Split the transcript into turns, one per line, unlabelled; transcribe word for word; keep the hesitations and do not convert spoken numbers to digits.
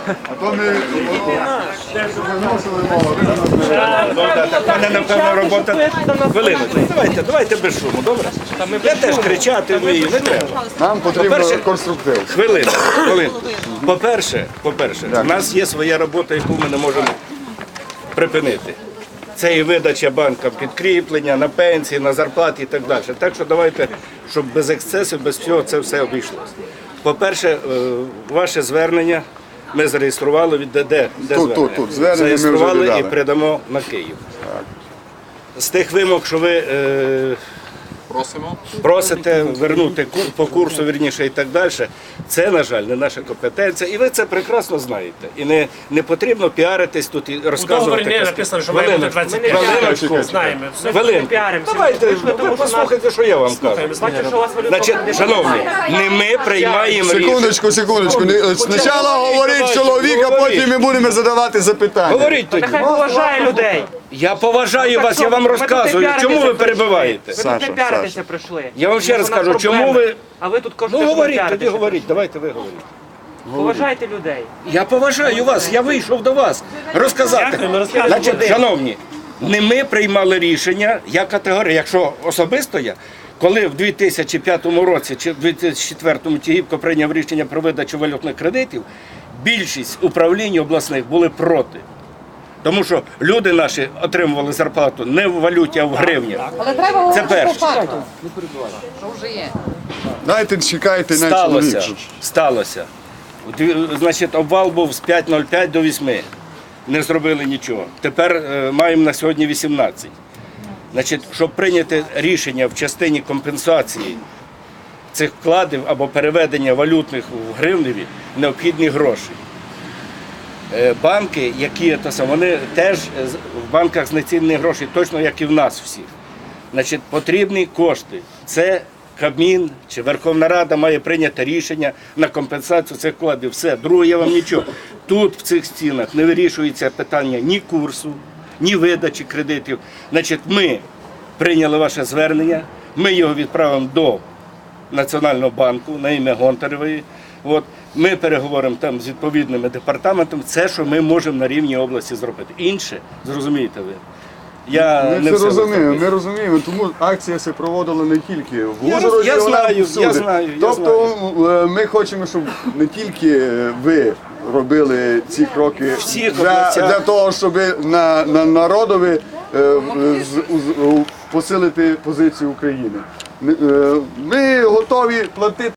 А то ми виносили мало.
У мене, напевно, робота. Хвилиночку. Давайте, давайте без шуму, добре? Я теж кричати вмію, не треба.
Нам потрібен
По-перше,
конструктив.
Хвилину, хвилину. По-перше, по-перше, у нас є своя робота, яку ми не можемо припинити. Це і видача банкам підкріплення, на пенсії, на зарплати і так далі. Так що давайте, щоб без ексцесів, без всього це все обійшлося. По-перше, е, ваше звернення ми зареєстрували від ДД. Де
Тут,
звернення?
тут, тут. Звернення ми вже
Зареєстрували
віддали.
і передамо на Київ. З тих вимог, що ви е,
Просимо.
просите вернути кур- по курсу, вірніше, і так далі, це, на жаль, не наша компетенція. І ви це прекрасно знаєте. І не, не потрібно піаритись тут і
У
розказувати.
договорі не
казки.
написано, що має бути
Хвилиночку,
двадцять п'ять.
хвилиночку.
Знаємо. Все.
Хвилинку.
піаримося.
Давайте,
Вийшли, тому
ви
що
послухайте, що я вам кажу.
Бачу, що у вас валюта
Значить,
не
шановні, не ми приймаємо рішення.
Секундочку, секундочку. Не- Спочатку говорить чоловік, а потім ми будемо задавати запитання.
Говоріть тоді.
Нехай поважає людей.
Я поважаю вас, я вам
Ви тут не
розказую.
піаритися
Чому ви
прийшли.
перебиваєте?
Ви тут
Саша,
не піаритися
Саша.
прийшли.
Я вам ще раз
У нас
кажу, чому
проблеми.
ви...
А ви тут кажете,
Ну
що ви
говоріть, тоді
піаритеся.
говоріть, давайте ви говоріть.
Поважайте людей.
Я поважаю вас, я вийшов до вас розказати.
Дякуємо, розказуйте.
Значить, шановні, не ми приймали рішення, я категорія, якщо особисто я, коли в дві тисячі п'ятому році чи в дві тисячі четвертому Тігіпко прийняв рішення про видачу валютних кредитів, більшість управлінь обласних були проти. Тому що люди наші отримували зарплату не в валюті, а в гривнях.
Але треба
Це
говорити по
перше.
факту. Що вже є.
Дайте чекайте на
Сталося,
чоловік.
сталося. Дві- Значить, обвал був з п'ять нуль п'ять до восьми. Не зробили нічого. Тепер е, маємо на сьогодні вісімнадцять. Значить, щоб прийняти рішення в частині компенсації цих вкладів або переведення валютних в гривневі, необхідні гроші. Е, Банки, які то саме, вони теж е, з- в банках знецінені гроші, точно як і в нас всіх. Значить, потрібні кошти. Це Кабмін чи Верховна Рада має прийняти рішення на компенсацію цих вкладів. Все, друге, я вам нічого. Тут в цих стінах не вирішується питання ні курсу, ні видачі кредитів. Значить, ми прийняли ваше звернення, ми його відправимо до Національного банку на ім'я Гонтаревої. От, ми переговоримо там з відповідними департаментами. Це, що ми можемо на рівні області зробити. Інше, зрозумієте ви. Я
Ми
не
це
все
розуміємо,
розумію.
ми розуміємо, тому акція се проводила не тільки в
Я
Ужгороді,
роз- я
вона
знаю,
всюди.
я знаю, я
Тобто е, ми хочемо, щоб не тільки ви робили ці кроки
Всіх
для,
областях.
для того, щоб на, на народові е, з- з- посилити позицію України. Ми, е, Ми готові платити.